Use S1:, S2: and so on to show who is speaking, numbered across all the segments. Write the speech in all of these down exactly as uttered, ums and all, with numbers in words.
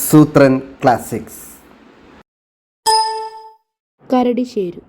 S1: സൂത്രൻ classics.
S2: കരടിശേരു.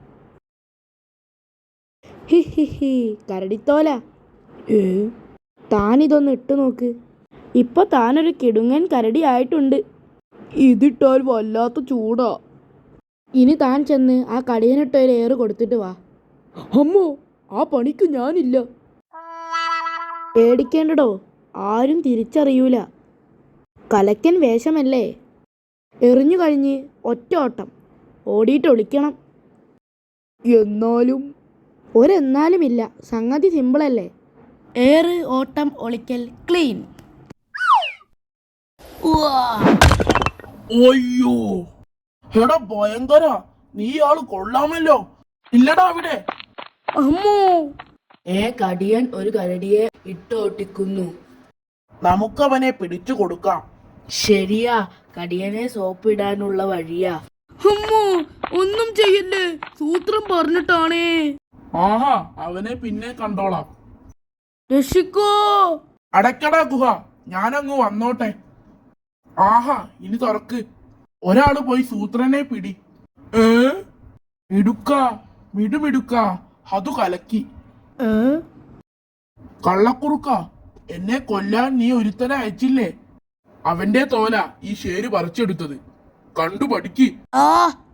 S2: ഹി ഹി ഹി കരടിത്തോല, ഏ താനിതൊന്ന് ഇട്ടു നോക്ക്. ഇപ്പൊ താനൊരു കിടുങ്ങൻ കരടി ആയിട്ടുണ്ട്. ഇതിട്ടാൽ വല്ലാത്ത ചൂടാ. ഇനി താൻ ചെന്ന് ആ കടിയനിട്ടൊരു ഏറ് കൊടുത്തിട്ട് വാ. അമ്മോ, ആ പണിക്ക് ഞാനില്ല. പേടിക്കേണ്ടടോ, ആരും തിരിച്ചറിയൂല. കലക്കൻ വേഷമല്ലേ. എറിഞ്ഞു കഴിഞ്ഞ് ഒറ്റ ഓട്ടം ഓടിയിട്ട് ഒളിക്കണം. എന്നാലും ഒരെന്നാലുമില്ല, സംഗതി സിമ്പിളല്ലേ. ഏറ്, ഓട്ടം, ഒളിക്കൽ, ക്ലീൻ.
S3: അയ്യോ, എടാ ഭയങ്കര, നീ ആള് കൊള്ളാമല്ലോ. ഇല്ലടാ അവിടെ.
S2: അമ്മോ, ഏ കടിയൻ ഒരു കരടിയെ ഇട്ടോട്ടിക്കുന്നു.
S3: നമുക്കവനെ പിടിച്ചു കൊടുക്കാം.
S2: ശരിയാ, കടിയനെ സോപ്പ് ഇടാനുള്ള വഴിയാ. അമ്മോ, ഒന്നും ചെയ്യല്ലേ, സൂത്രം പറഞ്ഞിട്ടാണേ.
S3: ആഹാ, അവനെ പിന്നെ കണ്ടോളാം.
S2: രക്ഷിക്കോ.
S3: അടയ്ക്കടാ ഗുഹ, ഞാനങ്ങ് വന്നോട്ടെ. ആഹാ, ഇനി തുറക്ക്. ഒരാള് പോയി സൂത്രനെ പിടി. ഏ മിടുക്ക, മിടുമിടുക്ക, അതു കലക്കി. കള്ളക്കുറുക്ക, എന്നെ കൊല്ലാൻ നീ ഒരുത്തനെ അയച്ചില്ലേ? അവന്റെ തോല ഈ ശേര് പറിച്ചെടുത്തത്. കണ്ടു പഠിക്ക്.
S2: ആ